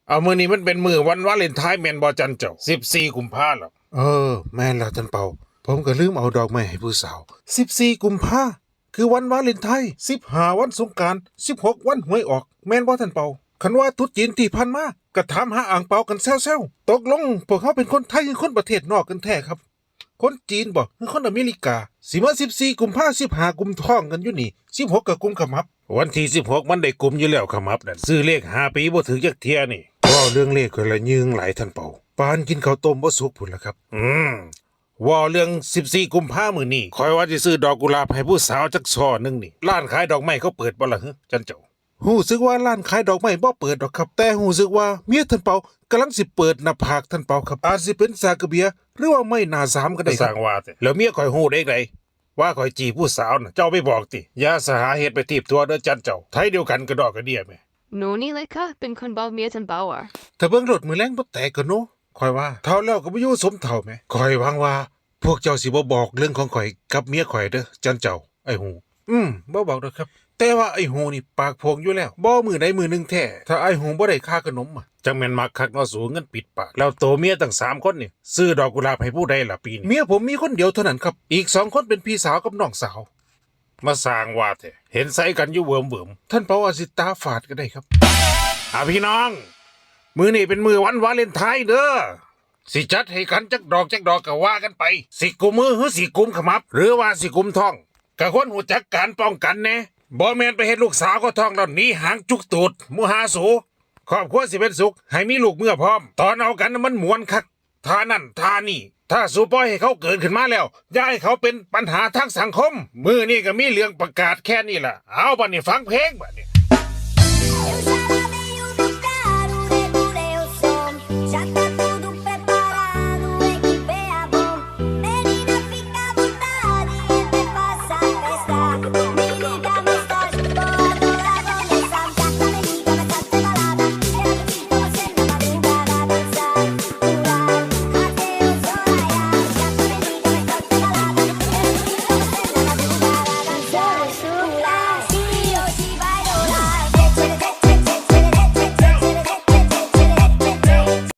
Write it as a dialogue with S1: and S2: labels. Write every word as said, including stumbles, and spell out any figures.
S1: เอามือนี้มันเป็นมือวันวาเลนไทน์แมนบอจันเจ้าสิบสี่กุมภาหรอเออแม่นแล้วท่านเปาผมก็ลืมเอาดอกไม้ให้ผู้สาวสิบสี่กุมภาคือวันวาเลนไทน์สิบห้าวันสงกรานต์สิบหกวันหวยออกแม่นบ่ท่านเปาคันว่าตรุษจีนที่ผ่านมาก็ถามหาอ่างเปากันแซวๆตกลงพวกเขาเป็นคนไทยหรือคนประเทศนอกกันแท้ครับคนจีนบ่หรือคนอเมริกาสิมาสิบสี่กุมภาสิบห้ากุมท้องกันอยู่นี่สิบหกก็กุมขมับวันที่สิบหกมันได้กุมอยู่แล้วขมับนั่นซื้อเลขห้าปีบ่ถึงจักเที่ยนี่ว่าเรื่องเลขคนละยืงหลายท่านเปาปานกินข้าวต้มบ่สุกพุ่นล่ะครับอืมว่าเรื่องสิบสี่กุมภามื้อนี้คอยว่าสิซื้อดอกกุหลาบให้ผู้สาวจักช่อนึงนี่ร้านขายดอกไม้เขาเปิดบ่ล่ะฮะจันเจ้าหู้สึกว่าร้านขายดอกไม้บ่เปิดดอกครับแต่หู้สึกว่าเมียท่านเปากำลังสิเปิดหน้าผากท่านเปาครับอาจสิเป็นซากระเบียหรือว่าไม่หน้าสามก็ได้ครับสร้างว่าแต่แล้วเมียข่อยฮู้ได้ไดว่าข่อยจีบผู้สาวน่ะเจ้าไปบอกติอย่าสหาเหตุไปตีบตัวเด้อจันเจ้าไทยเดียวกันกระดอกกระเดียแม่
S2: หนูนี่เลยค่ะเป็นคนเบาเมียทันเบาอ่ะ
S1: ถ้าเบิ่งรถมือแรงบ่แตกก็โนข่อยว่าเท่าแล้วก็บ่อยู่สมเท่าแม่ข่อยหวังว่าพวกเจ้าสิบ่บอกเรื่องของข่อยกับเมียข่อยเด้อจันเจ้าไอ้หูอืมบ่บอกดอกครับแต่ว่าไอ้หูนี่ปากโพงอยู่แล้วบ่มือใดมือหนึงแท้ถ้าไอ้หูบ่ได้ค่าขนมอ่ะจังแม่นมักคักเนาะสูงเงินปิดปากแล้วโตเมียตั้งสามคนนี่ซื้อดอกกุหลาบให้ผู้ใดล่ะปีนี้เมียผมมีคนเดียวเท่านั้นครับอีกสองคนเป็นพี่สาวกับน้องสาวมาสร้างว่าแท้เห็นใส่กันอยู่เวิมๆท่านเปาอาสิตาฝาดก็ได้ครับอ่ะพี่น้องมือนี่เป็นมือวันวาเลนไทน์เด้อสิจัดให้กันจักดอกจักดอกก็ว่ากันไปสิกุมมือหรือสิกุมขมับหรือว่าสิกุมท้องก็ควรหูจักการป้องกันแน่บ่แม่นไปเฮ็ดลูกสาวก็ท้องแล้วหนีหางจุกตูดมูหาสูครอบครัวสิเป็นสุขให้มีลูกเมื่อพร้อมตอนเอากันมันม่วนคักท่านั่นท่านี่ถ้าสูปล่อยให้เขาเกิดขึ้นมาแล้วอย่าให้เขาเป็นปัญหาทางสังคมมือนี่ก็มีเรื่องประกาศแค่นี้ล่ะเอาบัดนี้ฟังเพลงบัดนี้